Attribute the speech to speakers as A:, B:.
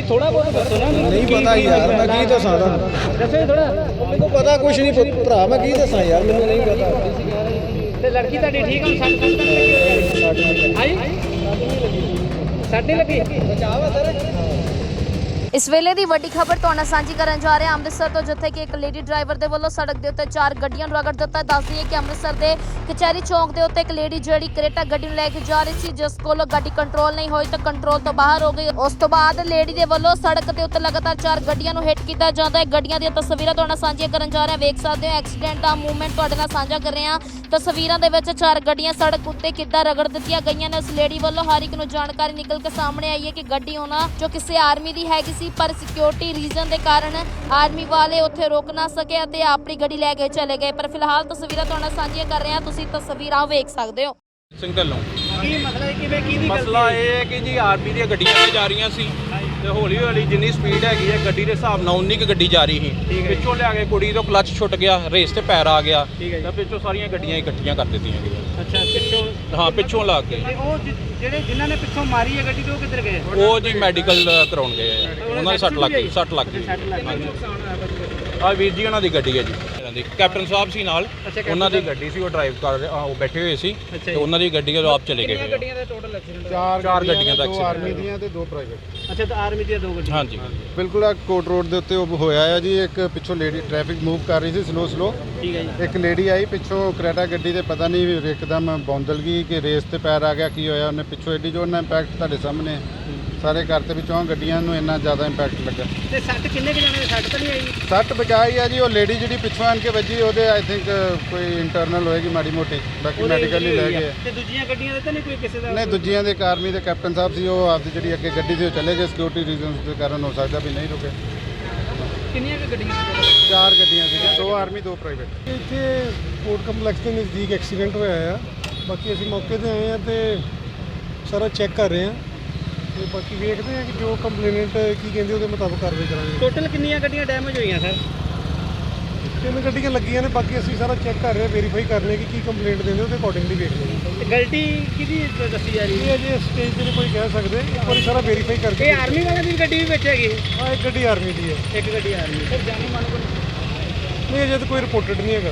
A: थोड़ा बहुत दसो ना।
B: नहीं पता यार, मैं की दसा
A: दसो थोड़ा।
B: ਮੈਨੂੰ ਪਤਾ ਕੁਛ ਨਹੀਂ ਭਰਾ, ਮੈਂ ਕੀ ਦੱਸਾਂ ਯਾਰ, ਮੈਨੂੰ ਨਹੀਂ ਪਤਾ।
A: ਤੇ ਲੜਕੀ ਤੁਹਾਡੀ ਠੀਕ ਹੁਣ ਸੱਟ ਸੁੱਟ ਤਾਂ ਲੱਗੀ ਹਾਂਜੀ ਸਾਡੇ ਲੱਗੀ ਬਚਾਅ ਸਰ।
C: ਇਸ ਵੇਲੇ ਦੀ ਵੱਡੀ ਖਬਰ ਤੁਹਾਡੇ ਨਾਲ ਸਾਂਝੀ ਕਰਨ ਜਾ ਰਹੇ ਹਾਂ ਅੰਮ੍ਰਿਤਸਰ ਤੋਂ, ਜਿੱਥੇ ਕਿ ਇੱਕ ਲੇਡੀ ਡਰਾਈਵਰ ਦੇ ਵੱਲੋਂ ਸੜਕ ਦੇ ਉੱਤੇ 4 ਗੱਡੀਆਂ ਨੂੰ ਰਗੜ ਦਿੱਤਾ। ਦੱਸ ਦਈਏ ਕਿ ਅੰਮ੍ਰਿਤਸਰ ਦੇ ਕਚਹਿਰੀ ਚੌਂਕ ਦੇ ਉੱਤੇ ਇੱਕ ਲੇਡੀ ਜਿਹੜੀ ਕਰੇਟਾ ਗੱਡੀ ਨੂੰ ਲੈ ਕੇ ਜਾ ਰਹੀ ਸੀ, ਜਿਸ ਕੋਲੋਂ ਗੱਡੀ ਕੰਟਰੋਲ ਨਹੀਂ ਹੋਈ ਤਾਂ ਕੰਟਰੋਲ ਤੋਂ ਬਾਹਰ ਹੋ ਗਈ। ਉਸ ਤੋਂ ਬਾਅਦ ਲੇਡੀ ਦੇ ਵੱਲੋਂ ਸੜਕ ਦੇ ਉੱਤੇ ਲਗਾਤਾਰ 4 ਗੱਡੀਆਂ ਨੂੰ ਹਿੱਟ ਕੀਤਾ ਜਾਂਦਾ ਹੈ। ਗੱਡੀਆਂ ਦੀਆਂ ਤਸਵੀਰਾਂ ਤੁਹਾਡੇ ਨਾਲ ਸਾਂਝੀਆਂ ਕਰਨ ਜਾ ਰਹੇ ਹਾਂ। ਵੇਖ ਸਕਦੇ ਹੋ ਐਕਸੀਡੈਂਟ ਦਾ ਮੂਵਮੈਂਟ ਤੁਹਾਡੇ ਨਾਲ ਸਾਂਝਾ ਕਰ ਰਹੇ ਹਾਂ। ਤਸਵੀਰਾਂ ਦੇ ਵਿੱਚ 4 ਗੱਡੀਆਂ ਸੜਕ ਉੱਤੇ ਕਿੱਦਾਂ ਰਗੜ ਦਿੱਤੀਆਂ ਗਈਆਂ ਨੇ। ਉਸ ਲੇਡੀ ਵੱਲੋਂ ਹਰ ਇੱਕ ਨੂੰ ਜਾਣਕਾਰੀ ਨਿਕਲ ਕੇ ਸਾਹਮਣੇ ਆਈ ਹੈ ਕਿ ਗੱਡੀ ਉਹਨਾਂ ਜੋ ਕਿਸੇ ਆਰਮੀ ਦੀ ਹੈਗੀ ਸੀ, ਪਰ ਸਿਕਿਉਰਿਟੀ ਰੀਜ਼ਨ ਦੇ ਕਾਰਨ ਆਰਮੀ ਵਾਲੇ ਉੱਥੇ ਰੋਕ ਨਾ ਸਕੇ ਅਤੇ ਆਪਣੀ ਗੱਡੀ ਲੈ ਕੇ ਚਲੇ ਗਏ। ਪਰ ਫਿਲਹਾਲ ਤਸਵੀਰਾਂ ਤੁਹਾਡੇ ਨਾਲ ਸਾਂਝੀਆਂ ਕਰ ਰਹੇ ਹਾਂ, ਤੁਸੀਂ ਤਸਵੀਰਾਂ ਵੇਖ ਸਕਦੇ ਹੋ।
D: ਸਿੰਘ ਢੱਲੋਂ
A: ਕੀ ਮਸਲਾ ਹੈ, ਕਿਵੇਂ ਕੀ ਦੀ
D: ਮਸਲਾ ਇਹ ਹੈ ਕਿ ਜੀ ਆਰਮੀ ਦੀਆਂ ਗੱਡੀਆਂ ਤੇ ਜਾ ਰਹੀਆਂ ਸੀ ਤੇ ਹੌਲੀ ਹੌਲੀ ਜਿੰਨੀ ਸਪੀਡ ਹੈਗੀ ਹੈ ਗੱਡੀ ਦੇ ਹਿਸਾਬ ਨਾਲ ਉਨੀ ਕੁ ਗੱਡੀ ਜਾ ਰਹੀ ਸੀ। ਪਿੱਛੋਂ ਲਿਆ ਕੇ ਕੁੜੀ ਤੋਂ ਕਲੱਚ ਛੁੱਟ ਗਿਆ, ਰੇਸ ਤੇ ਪੈਰ ਆ ਗਿਆ ਤਾਂ ਪਿੱਛੋਂ ਸਾਰੀਆਂ ਗੱਡੀਆਂ ਇਕੱਠੀਆਂ ਕਰ ਦਿੱਤੀਆਂ ਗਈਆਂ।
A: ਅੱਛਾ ਪਿੱਛੋਂ
D: ਹਾਂ ਪਿੱਛੋਂ ਲਾ ਕੇ
A: ਤੇ ਉਹ ਜਿਹੜੇ ਜਿਨ੍ਹਾਂ ਨੇ ਪਿੱਛੋਂ ਮਾਰੀ ਹੈ ਗੱਡੀ, ਤੇ ਉਹ ਕਿੱਧਰ ਗਏ?
D: ਉਹ ਜੀ ਮੈਡੀਕਲ ਕਰਾਉਣ ਗਏ ਆ। ਉਹਨਾਂ ਦੇ ਸੱਟ ਲੱਗ ਗਈ, ਸੱਟ ਲੱਗ ਗਈ। ਆ ਵੀਰ ਜੀ ਉਹਨਾਂ ਦੀ ਗੱਡੀ ਹੈ ਜੀ, ਇਹਨਾਂ ਦੀ ਕੈਪਟਨ ਸਾਹਿਬ ਸੀ ਨਾਲ, ਉਹਨਾਂ ਦੀ ਗੱਡੀ ਸੀ, ਉਹ ਡਰਾਈਵ ਕਰ ਰਹੇ, ਉਹ ਬੈਠੇ ਹੋਏ ਸੀ ਤੇ ਉਹਨਾਂ ਦੀ ਗੱਡੀ ਉਹ ਆਪ ਚਲੇ ਗਏ।
A: ਗੱਡੀਆਂ ਦਾ ਟੋਟਲ ਐਕਸੀਡੈਂਟ?
D: 4 ਗੱਡੀਆਂ ਦਾ
B: ਦੋ
D: ਐਕਸੀਡੈਂਟ
B: ਆਰਮੀ ਦੀਆਂ ਤੇ 2 ਪ੍ਰਾਈਵੇਟ।
A: ਅੱਛਾ ਤਾਂ ਆਰਮੀ ਦੀਆਂ 2 ਗੱਡੀਆਂ?
D: ਹਾਂਜੀ
B: ਬਿਲਕੁਲ ਆ ਕੋਟ ਰੋਡ ਦੇ ਉੱਤੇ ਉਹ ਹੋਇਆ ਆ ਜੀ। ਇੱਕ ਪਿੱਛੋਂ ਲੇਡੀ ਟ੍ਰੈਫਿਕ ਮੂਵ ਕਰ ਰਹੀ ਸੀ ਸਲੋ।
A: ਠੀਕ ਹੈ ਜੀ।
B: ਇੱਕ ਲੇਡੀ ਆਈ ਪਿੱਛੋਂ ਕਰੇਟਾ ਗੱਡੀ ਦੇ, ਪਤਾ ਨਹੀਂ ਇੱਕਦਮ ਬੌਂਦਲ ਗਈ ਕਿ ਰੇਸ ਤੇ ਪੈਰ ਆ ਗਿਆ, ਕੀ ਹੋਇਆ। ਉਹਨੇ ਪਿੱਛੋਂ ਐਡੀ ਜੋਰ ਨਾਲ ਇੰਪੈਕਟ ਤੁਹਾਡੇ ਸਾਹਮਣੇ ਸਾਰੇ ਘਰ ਤੇ ਵਿੱਚੋਂ ਗੱਡੀਆਂ ਨੂੰ ਇੰਨਾ ਜ਼ਿਆਦਾ ਇੰਪੈਕਟ ਲੱਗਾ।
A: ਤੇ ਸੱਟ ਕਿੰਨੇ ਕੁ ਜਾਣੇ ਦੀ ਸੱਟ ਤਾਂ ਨਹੀਂ ਆਈ?
B: ਸੱਟ ਬਚਾਈ ਆ ਜੀ। ਉਹ ਲੇਡੀ ਜਿਹੜੀ ਪਿੱਛੋਂ ਆਣ ਕੇ ਵੱਜੀ, ਉਹਦੇ ਆਈ ਥਿੰਕ ਕੋਈ ਇੰਟਰਨਲ ਹੋਏਗੀ ਮਾੜੀ ਮੋਟੀ, ਬਾਕੀ ਮੈਡੀਕਲ ਹੀ ਲੈ ਗਏ।
A: ਤੇ ਦੂਜੀਆਂ ਗੱਡੀਆਂ ਦੇ ਤਾਂ ਨਹੀਂ ਕੋਈ ਕਿਸੇ ਦਾ?
B: ਨਹੀਂ, ਦੂਜੀਆਂ ਦੇ ਆਰਮੀ ਦੇ ਕੈਪਟਨ ਸਾਹਿਬ ਸੀ, ਉਹ ਆਪਦੀ ਜਿਹੜੀ ਅੱਗੇ ਗੱਡੀ ਸੀ ਉਹ ਚਲੇ ਗਏ। ਸਿਕਿਉਰਿਟੀ ਰੀਜ਼ਨਸ ਦੇ ਕਾਰਨ ਹੋ ਸਕਦਾ ਵੀ ਨਹੀਂ ਰੁਕੇ।
A: ਕਿੰਨੀਆਂ ਕੁ ਗੱਡੀਆਂ ਸੀ?
B: 4 ਗੱਡੀਆਂ ਸੀਗੀਆਂ, 2 ਆਰਮੀ 2 ਪ੍ਰਾਈਵੇਟ।
E: ਇੱਥੇ ਕੋਰਟ ਕੰਪਲੈਕਸ ਦੇ ਨਜ਼ਦੀਕ ਐਕਸੀਡੈਂਟ ਹੋਇਆ ਆ। ਬਾਕੀ ਅਸੀਂ ਮੌਕੇ ਤੇ ਆਏ ਆ ਤੇ ਸਾਰਾ ਚੈੱਕ ਕਰ ਰਹੇ ਆ ਤੇ ਬਾਕੀ ਵੇਖਦੇ ਆ ਕਿ ਜੋ ਕੰਪਲੇਨੈਂਟ ਕੀ ਕਹਿੰਦੇ ਉਹਦੇ ਮੁਤਾਬਕ ਕਾਰਵਾਈ ਕਰਾਂਗੇ।
A: ਟੋਟਲ ਕਿੰਨੀਆਂ ਗੱਡੀਆਂ ਡੈਮੇਜ ਹੋਈਆਂ ਸਰ?
E: 3 ਗੱਡੀਆਂ ਲੱਗੀਆਂ ਨੇ, ਬਾਕੀ ਅਸੀਂ ਸਾਰਾ ਚੈੱਕ ਕਰ ਰਹੇ ਆ, ਵੈਰੀਫਾਈ ਕਰ ਰਹੇ ਕਿ ਕੀ ਕੰਪਲੇਂਟ ਦਿੰਦੇ ਉਹਦੇ ਅਕੋਰਡਿੰਗਲੀ ਵੇਖਦੇ ਹਾਂ।
A: ਤੇ ਗਲਤੀ ਕਿਹਦੀ ਦੱਸੀ ਜਾ ਰਹੀ
E: ਇਹ
A: ਹੈ?
E: ਅਜੇ ਸਟੇਜ ਤੇ ਨਹੀਂ ਕੋਈ ਕਹਿ ਸਕਦੇ, ਇੱਕ ਵਾਰੀ ਸਾਰਾ ਵੈਰੀਫਾਈ ਕਰਕੇ।
A: ਇਹ ਆਰਮੀ ਵਾਲਿਆਂ ਦੀ ਗੱਡੀ ਵੀ ਵਿੱਚ ਹੈਗੀ?
E: ਹਾਂ, ਇੱਕ ਗੱਡੀ ਆਰਮੀ ਦੀ ਹੈ।
A: ਇੱਕ ਗੱਡੀ ਆਰਮੀ। ਸਰ ਜਾਨੀ ਮਾਨੋ
E: ਨਹੀਂ, ਅਜੇ ਤਾਂ ਕੋਈ ਰਿਪੋਰਟਡ ਨਹੀਂ ਹੈਗਾ।